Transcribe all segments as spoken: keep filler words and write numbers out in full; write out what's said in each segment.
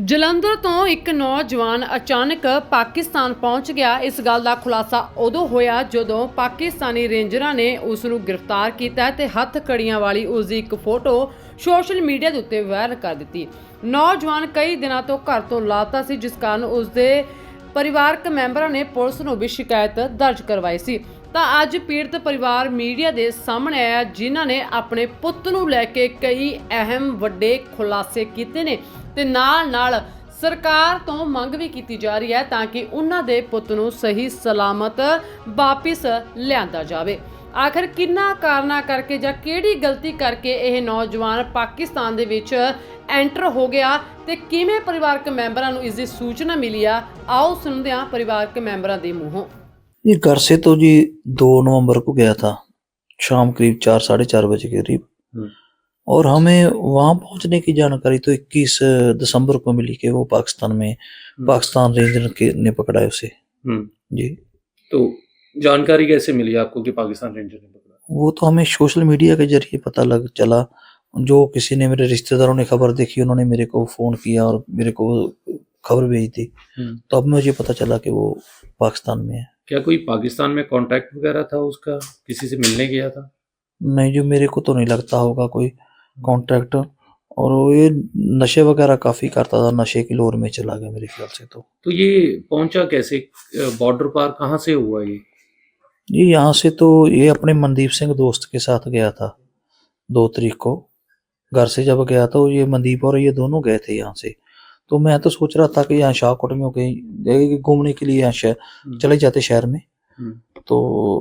ਜਲੰਧਰ ਤੋਂ ਇੱਕ ਨੌਜਵਾਨ ਅਚਾਨਕ ਪਾਕਿਸਤਾਨ ਪਹੁੰਚ ਗਿਆ। ਇਸ ਗੱਲ ਦਾ ਖੁਲਾਸਾ ਉਦੋਂ ਹੋਇਆ ਜਦੋਂ ਪਾਕਿਸਤਾਨੀ ਰੇਂਜਰਾਂ ਨੇ ਉਸ ਨੂੰ ਗ੍ਰਿਫਤਾਰ ਕੀਤਾ ਤੇ ਹੱਥ ਕੜੀਆਂ ਵਾਲੀ ਉਸ ਦੀ ਇੱਕ ਫੋਟੋ ਸੋਸ਼ਲ ਮੀਡੀਆ ਦੇ ਉੱਤੇ ਵਾਇਰਲ ਕਰ ਦਿੱਤੀ। ਨੌਜਵਾਨ ਕਈ ਦਿਨਾਂ ਤੋਂ ਘਰ ਤੋਂ ਲਾਪਤਾ ਸੀ, ਜਿਸ ਕਾਰਨ ਉਸ ਦੇ ਪਰਿਵਾਰਕ ਮੈਂਬਰਾਂ ਨੇ ਪੁਲਿਸ ਨੂੰ ਵੀ ਸ਼ਿਕਾਇਤ ਦਰਜ ਕਰਵਾਈ ਸੀ। ਤਾਂ ਅੱਜ ਪੀੜਤ ਪਰਿਵਾਰ ਮੀਡੀਆ ਦੇ ਸਾਹਮਣੇ ਆਇਆ, ਜਿਨ੍ਹਾਂ ਨੇ ਆਪਣੇ ਪੁੱਤ ਨੂੰ ਲੈ ਕੇ ਕਈ ਅਹਿਮ ਵੱਡੇ ਖੁਲਾਸੇ ਕੀਤੇ ਨੇ ਤੇ ਨਾਲ ਨਾਲ ਸਰਕਾਰ ਤੋਂ ਮੰਗ ਵੀ ਕੀਤੀ ਜਾ ਰਹੀ ਹੈ ਤਾਂ ਕਿ ਉਹਨਾਂ ਦੇ ਪੁੱਤ ਨੂੰ ਸਹੀ ਸਲਾਮਤ ਵਾਪਿਸ ਲਿਆਂਦਾ ਜਾਵੇ। ਆਖਰ ਕਿੰਨਾ ਕਾਰਨਾਂ ਕਰਕੇ ਜਾਂ ਕਿਹੜੀ ਗਲਤੀ ਕਰਕੇ ਇਹ ਨੌਜਵਾਨ ਪਾਕਿਸਤਾਨ ਦੇ ਵਿੱਚ ਐਂਟਰ ਹੋ ਗਿਆ ਤੇ ਕਿਵੇਂ ਪਰਿਵਾਰਕ ਮੈਂਬਰਾਂ ਨੂੰ ਇਸ ਦੀ ਸੂਚਨਾ ਮਿਲੀ ਆ, ਆਓ ਸੁਣਦੇ ਹਾਂ ਪਰਿਵਾਰਕ ਮੈਂਬਰਾਂ ਦੇ ਮੂੰਹੋਂ। ये घर से तो जी दो नवंबर को गया था, शाम करीब चार साढ़े चार बजे के करीब, और हमें वहाँ पहुँचने की जानकारी तो इक्कीस दिसंबर को मिली कि वो पाकिस्तान में पाकिस्तान रेंजर के ने पकड़ा है उसे। जी, तो जानकारी कैसे मिली आपको कि पाकिस्तान रेंजर ने पकड़ा? वो तो हमें सोशल मीडिया के जरिए पता लग चला। जो किसी ने, मेरे रिश्तेदारों ने खबर देखी, उन्होंने मेरे को फ़ोन किया और मेरे को खबर भेजी थी, तो अब मुझे पता चला कि वो पाकिस्तान में है। क्या कोई पाकिस्तान में कांटेक्ट वगैरह था उसका, किसी से मिलने गया था? नहीं, जो मेरे को तो नहीं लगता होगा कोई कॉन्ट्रैक्ट, और वो ये नशे वगैरह काफ़ी करता था, नशे की लोर में चला गया मेरे ख्याल से। तो तो ये पहुंचा कैसे, बॉर्डर पार कहाँ से हुआ ये? ये यहाँ से तो ये अपने मनदीप सिंह दोस्त के साथ गया था दो तारीख को। घर से जब गया तो ये मनदीप और ये दोनों गए थे यहाँ से। तो मैं तो सोच रहा था कि यहाँ शाहकोट में कहीं घूमने के लिए यहाँ शहर चले जाते शहर में। तो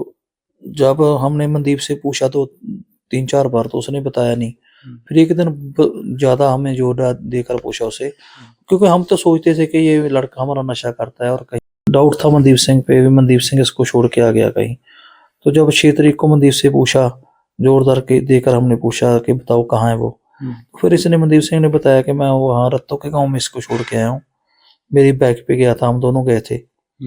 जब हमने मनदीप से पूछा तो तीन चार बार तो उसने बताया नहीं। फिर एक दिन ज़्यादा हमें जोर देकर पूछा उसे, क्योंकि हम तो सोचते थे कि ये लड़का हमारा नशा करता है, और कहीं डाउट था मनदीप सिंह पे, मनदीप सिंह इसको छोड़ के आ गया कहीं। तो जब छः तारीख को मनदीप से पूछा, जोरदार के देकर हमने पूछा कि बताओ कहाँ है वो, फिर इसने मनदीप सिंह ने बताया कि मैं वहाँ रत्तों के गांव में इसको छोड़ के आया हूँ, मेरी बाइक पे गया था, हम दोनों गए थे।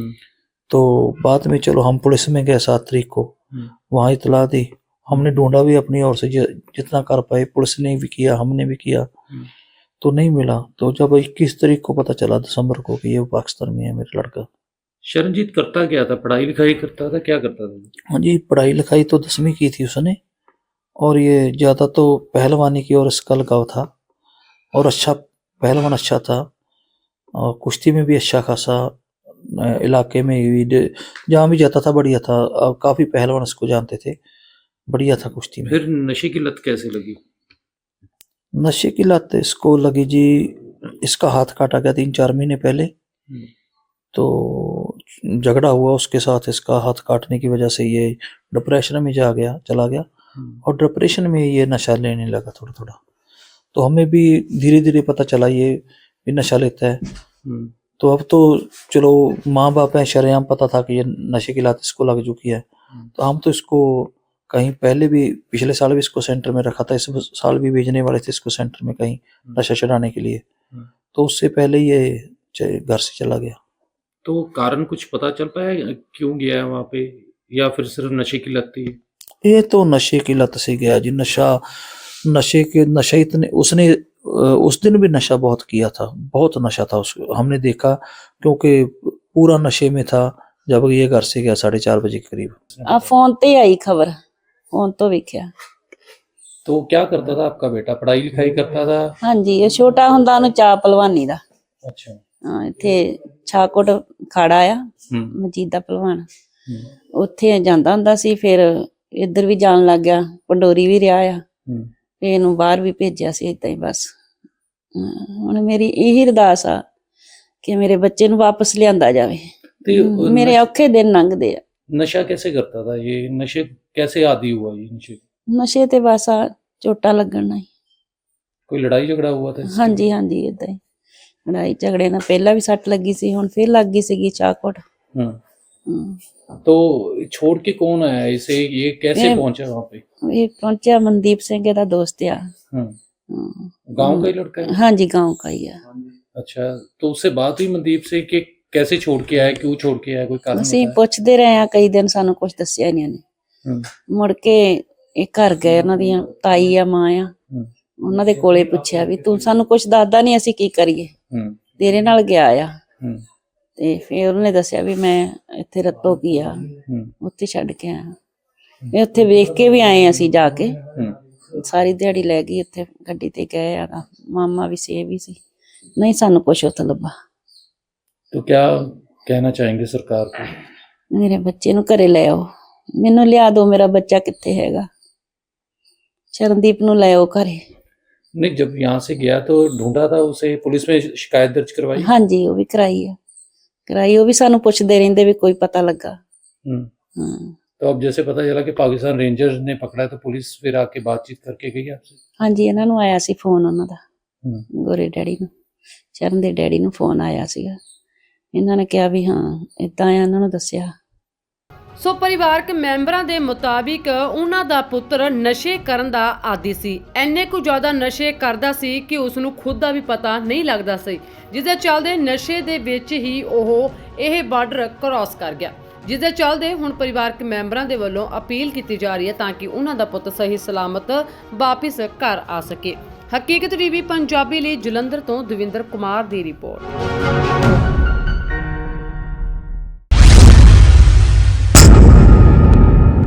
तो बाद में चलो हम पुलिस में गए सात तारीख को, वहाँ इतला दी, हमने ढूंढा भी अपनी ओर से जितना कर पाए, पुलिस ने भी किया, हमने भी किया, तो नहीं मिला। तो जब इक्कीस तारीख को पता चला दिसंबर को कि ये पाकिस्तान में है मेरा लड़का। शरणजीत करता क्या था, पढ़ाई लिखाई करता था, क्या करता था? हाँ जी, पढ़ाई लिखाई तो दसवीं की थी उसने, और ये ज़्यादा तो पहलवानी की और इसका लगाव था, और अच्छा पहलवान अच्छा था, और कुश्ती में भी अच्छा खासा इलाके में भी जहाँ भी जाता था बढ़िया था, काफ़ी पहलवान इसको जानते थे, बढ़िया था कुश्ती में। फिर नशे की लत कैसे लगी? नशे की लत इसको लगी जी, इसका हाथ काटा गया तीन चार महीने पहले, तो झगड़ा हुआ उसके साथ, इसका हाथ काटने की वजह से ये डिप्रेशन में जा गया चला गया, और डिप्रेशन में ये नशा लेने लगा थोड़ा थोड़ा। तो हमें भी धीरे धीरे पता चला ये भी नशा लेता है। तो अब तो चलो माँ बाप हैं, शरेआम पता था कि ये नशे की लत इसको लग चुकी है। तो हम तो इसको कहीं पहले भी, पिछले साल भी इसको सेंटर में रखा था, इस साल भी भेजने वाले थे इसको सेंटर में कहीं नशा छुड़ाने के लिए, तो उससे पहले ये घर से चला गया। तो कारण कुछ पता चल पाया क्यों गया है वहाँ पे, या फिर सिर्फ नशे की लत थी? ये तो नशे की लत से गया जी। नशा नशे के नशा इतने, उसने उस दिन भी नशा बहुत किया था, बहुत नशा था उसको, हमने देखा, क्योंकि पूरा नशे में था जब ये घर से गया साढ़े चार बजे के करीब। आ फोन ते आई खबर, फोन तो वेख्या। तो क्या करता था आपका बेटा, पढ़ाई लिखाई करता था? हाँ जी, ये छोटा हुंदा उन्हें चा पलवानी दा। अच्छा। हाँ, इत्थे छाकोट खाड़ा आ मजीदा पलवान, उत्थे जांदा हुंदा सी, फिर इधर भी जान लग गया, पंडोरी भी रहा आ, फिर इहनूं बाहर भी भेजिया सी इदां ही बस। हुण मेरी यही अरदास आ कि मेरे बच्चे नूं वापस लिआंदा जावे, मेरे औखे दिन लंघदे आ। नशा कैसे करता था ये, नशे कैसे आदी हुआ ये नशे? नशे ते बस आ चोटा लगण नाल। कोई लड़ाई झगड़ा हुआ था? हाँ जी हाँ जी, इदां ही लड़ाई झगड़े ना पहला भी सट लगी सी, हुण फिर लग गई सीगी चाकोट। तो छोड़ के कौन आया इसे, ये कैसे पहुंचा वहाँ पे? ये पहुंचा मनदीप सिंह दा दोस्त आ। गांव का ही लड़का है? हाँ जी, गांव का ही है। अच्छा, तो उससे बात हुई मनदीप से कि कैसे छोड़ के आया, क्यों छोड़ के आया, कोई कारण? ਅਸੀਂ ਪੁੱਛਦੇ ਰਹੇ ਆ ਕਈ ਦਿਨ, ਸਾਨੂੰ ਕੁਝ ਦੱਸਿਆ ਨਹੀਂ ਇਹਨੇ। ਮੁੜ ਕੇ ਇਹ ਘਰ ਗਏ, ਉਹਨਾਂ ਦੀਆਂ ਤਾਈ ਆ ਮਾਂ ਆ, ਉਹਨਾਂ ਦੇ ਕੋਲੇ ਪੁੱਛਿਆ ਵੀ ਤੂੰ ਸਾਨੂੰ ਕੁਝ ਦੱਸਦਾ ਨਹੀਂ, ਅਸੀਂ ਕੀ ਕਰੀਏ। ਤੇਰੇ ਨਾਲ ਗਿਆ ਆ। ਹੂੰ ਤੇ ਫਿਰ ਉਹਨੇ ਦੱਸਿਆ ਵੀ ਮੈਂ ਇੱਥੇ ਰੱਤੋ ਕੀ ਆ, ਹੂੰ ਉੱਥੇ ਛੱਡ ਕੇ ਆਇਆ। ਇਹ ਉੱਥੇ ਵੇਖ ਕੇ ਵੀ ਆਏ ਅਸੀਂ ਜਾ ਕੇ, ਹੂੰ ਸਾਰੀ ਦਿਹਾੜੀ ਲੈ ਗਈ ਉੱਥੇ, ਗੱਡੀ ਤੇ ਗਏ ਆ, ਮਾਮਾ ਵੀ ਸੀ, ਇਹ ਵੀ ਸੀ, ਨਹੀਂ ਸਾਨੂੰ ਕੁਛ ਉੱਥੇ ਲੱਭਾ। तो क्या कहना चाहेंगे सरकार को? ਮੇਰੇ ਬੱਚੇ ਨੂੰ ਘਰੇ ਲੈ ਆਓ, ਮੈਨੂੰ ਲਿਆ ਦਿਓ, ਮੇਰਾ ਬੱਚਾ ਕਿੱਥੇ ਹੈਗਾ, ਸ਼ਰਨਦੀਪ ਨੂੰ ਲੈ ਆਓ ਘਰੇ। नहीं, जब यहाँ से गया तो ढूंढा था उसे, पुलिस में शिकायत दर्ज करवाई? ਹਾਂਜੀ ਉਹ ਵੀ ਕਰਾਈ ਆ, ਕਰਾਈ। ਉਹ ਵੀ ਸਾਨੂੰ ਪੁੱਛਦੇ ਰਹਿੰਦੇ ਵੀ ਕੋਈ ਪਤਾ ਲੱਗਾ। हम्म ਹਾਂ तो अब जैसे पता चला कि पाकिस्तान रेंजर्स ने पकड़ा है, तो पुलिस फिर आके बातचीत करके गई आपसे? ਹਾਂਜੀ ਇਹਨਾਂ ਨੂੰ ਆਇਆ ਸੀ ਫੋਨ, ਉਹਨਾਂ ਦਾ हम्म ਗੋਰੇ ਡੈਡੀ ਨੂੰ, ਚਰਨ ਦੇ ਡੈਡੀ ਨੂੰ ਫੋਨ ਆਇਆ ਸੀਗਾ। ਇਹਨਾਂ ਨੇ ਕਿਹਾ ਵੀ ਹਾਂ ਇਦਾਂ ਆ, ਇਹਨਾਂ ਨੂੰ ਦੱਸਿਆ। ਸੋ ਪਰਿਵਾਰਕ ਮੈਂਬਰਾਂ ਦੇ ਮੁਤਾਬਿਕ ਉਹਨਾਂ ਦਾ ਪੁੱਤਰ ਨਸ਼ੇ ਕਰਨ ਦਾ ਆਦੀ ਸੀ। ਇੰਨੇ ਕੁ ਜ਼ਿਆਦਾ ਨਸ਼ੇ ਕਰਦਾ ਸੀ ਕਿ ਉਸ ਨੂੰ ਖੁਦ ਦਾ ਵੀ ਪਤਾ ਨਹੀਂ ਲੱਗਦਾ ਸੀ, ਜਿਸ ਦੇ ਚੱਲਦੇ ਨਸ਼ੇ ਦੇ ਵਿੱਚ ਹੀ ਉਹ ਇਹ ਬਾਰਡਰ ਕ੍ਰਾਸ ਕਰ ਗਿਆ, ਜਿਸ ਦੇ ਚੱਲਦੇ ਹੁਣ ਪਰਿਵਾਰਕ ਮੈਂਬਰਾਂ ਦੇ ਵੱਲੋਂ ਅਪੀਲ ਕੀਤੀ ਜਾ ਰਹੀ ਹੈ ਤਾਂ ਕਿ ਉਹਨਾਂ ਦਾ ਪੁੱਤ ਸਹੀ ਸਲਾਮਤ ਵਾਪਿਸ ਘਰ ਆ ਸਕੇ। ਹਕੀਕਤ ਟੀਵੀ ਪੰਜਾਬੀ ਲਈ ਜਲੰਧਰ ਤੋਂ ਦਵਿੰਦਰ ਕੁਮਾਰ ਦੀ ਰਿਪੋਰਟ।